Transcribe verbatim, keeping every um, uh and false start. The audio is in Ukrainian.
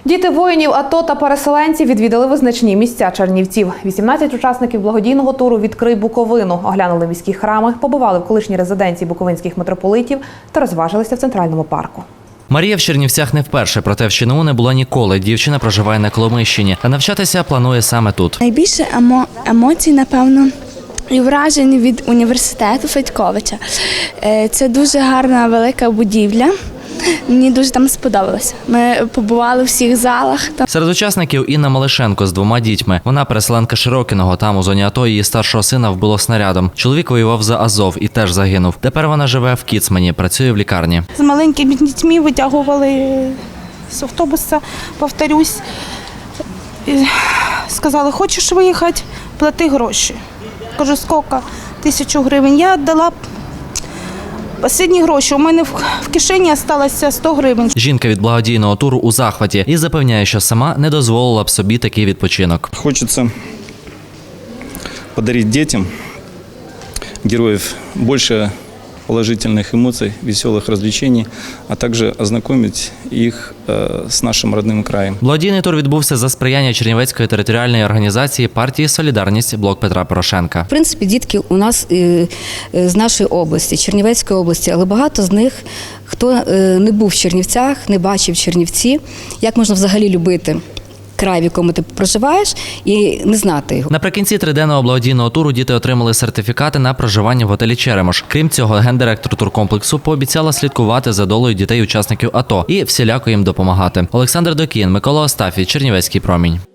Діти воїнів АТО та переселенців відвідали визначні місця Чернівців. вісімнадцять учасників благодійного туру «Відкрий Буковину» оглянули міські храми, побували в колишній резиденції буковинських митрополитів та розважилися в центральному парку. Марія в Чернівцях не вперше, проте в ЧНУ не була ніколи. Дівчина проживає на Коломийщині, а навчатися планує саме тут. Найбільше емо... емоцій, напевно, і вражень від університету Федьковича. Це дуже гарна велика будівля. Мені дуже там сподобалося. Ми побували у всіх залах. Серед учасників Інна Малишенко з двома дітьми. Вона переселенка Широкиного. Там у зоні АТО її старшого сина вбило снарядом. Чоловік воював за Азов і теж загинув. Тепер вона живе в Кіцмані, працює в лікарні. З маленькими дітьми витягували з автобуса, повторюсь. І сказали, хочеш виїхати, плати гроші. Кажу, скільки? Тисячу гривень. Я віддала останні гроші. У мене в кишені залишилося сто гривень. Жінка від благодійного туру у захваті і запевняє, що сама не дозволила б собі такий відпочинок. Хочеться подарити дітям, героїв, більше положительных эмоций, веселых развлечений, а также ознакомить их э, с нашим родным краем. Благодійний тур відбувся за сприяння Чернівецької територіальної організації партії «Солідарність» Блок Петра Порошенка. В принципі, дітки у нас з нашої області, Чернівецької області, але багато з них, хто не був в Чернівцях, не бачив Чернівці, як можна взагалі любити край, в якому ти проживаєш, і не знати його. Наприкінці триденного благодійного туру діти отримали сертифікати на проживання в готелі «Черемош». Крім цього, гендиректор туркомплексу пообіцяла слідкувати за долею дітей-учасників АТО і всіляко їм допомагати. Олександр Докін, Микола Остафій, Чернівецький промінь.